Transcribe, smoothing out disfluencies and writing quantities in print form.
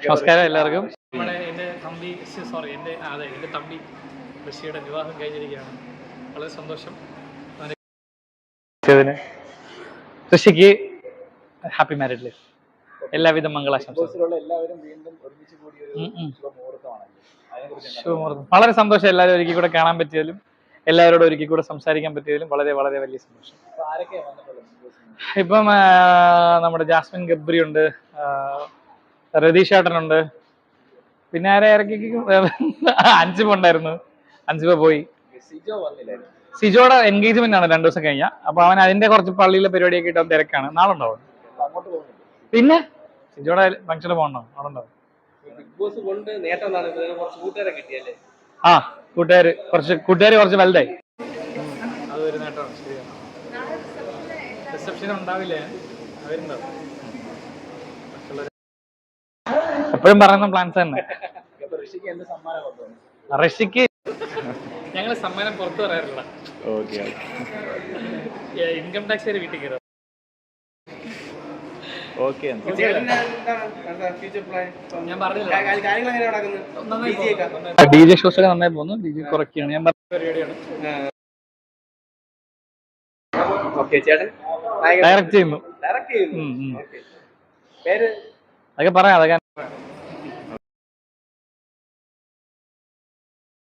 നമസ്കാരം എല്ലാവർക്കും. നമ്മുടെ എൻ്റെ തമ്പി എൻ്റെ തമ്പി ഋഷിയുടെ വിവാഹം കഴിഞ്ഞിരിക്കുകയാണ്. വളരെ സന്തോഷം. ഋഷിക്ക് ഹാപ്പി മാരീഡ് ലൈഫ്, എല്ലാവിധ മംഗളാശംസകളും. ശുഭമുഹൂർത്തം. വളരെ സന്തോഷം. എല്ലാവരും ഒരിക്കൽ കൂടെ കാണാൻ പറ്റിയതിലും എല്ലാവരോടും ഒരിക്കൽ കൂടെ സംസാരിക്കാൻ പറ്റിയതിലും വളരെ വളരെ വലിയ സന്തോഷം. ഇപ്പം നമ്മുടെ ജാസ്മിൻ ഗബ്രി ഉണ്ട്, രതീഷ് ഏട്ടനുണ്ട്, പിന്നെ ആരെ ഇറക്കി അൻസിബ ഉണ്ടായിരുന്നു. അൻസിബ പോയി. സിജോയുടെ എൻഗേജ്മെന്റ് ആണ് 2 ദിവസം കഴിഞ്ഞാൽ. അപ്പൊ അവൻ അതിന്റെ കുറച്ച് പള്ളിയിലെ പരിപാടിയൊക്കെ ഇട്ട് തിരക്കാണ്. നാളെ ഉണ്ടാവും. പിന്നെ സിജോയുടെ ഫംഗ്ഷന് പോകണോ? അവിടെ ഉണ്ടാവും. ആ കൂട്ടുകാര് കുറച്ച് വലുതായി. അതൊരു നേട്ടമാണ്. ശരിയാണ്. റിസപ്ഷൻ ഉണ്ടാവില്ലേ? അവരുണ്ടാവും. എപ്പോഴും പറയുന്ന പ്ലാൻസ് തന്നെ. ഋഷിക്ക് ഞങ്ങൾ സമ്മാനം പുറത്തു പറയാറില്ല. ഇൻകം ടാക്സ് വരെ വീട്ടിൽ കയറും. ഞാൻ പറഞ്ഞില്ല. DJ ഷോസ് ഒക്കെ നന്നായി പോകുന്നു. DJ കുറയ്ക്കുകയാണ്. ഞാൻ പറഞ്ഞ പരിപാടിയാണ്. ഡയറക്റ്റ് ചെയ്യുന്നു. അതൊക്കെ പറയാം. അതൊക്കെ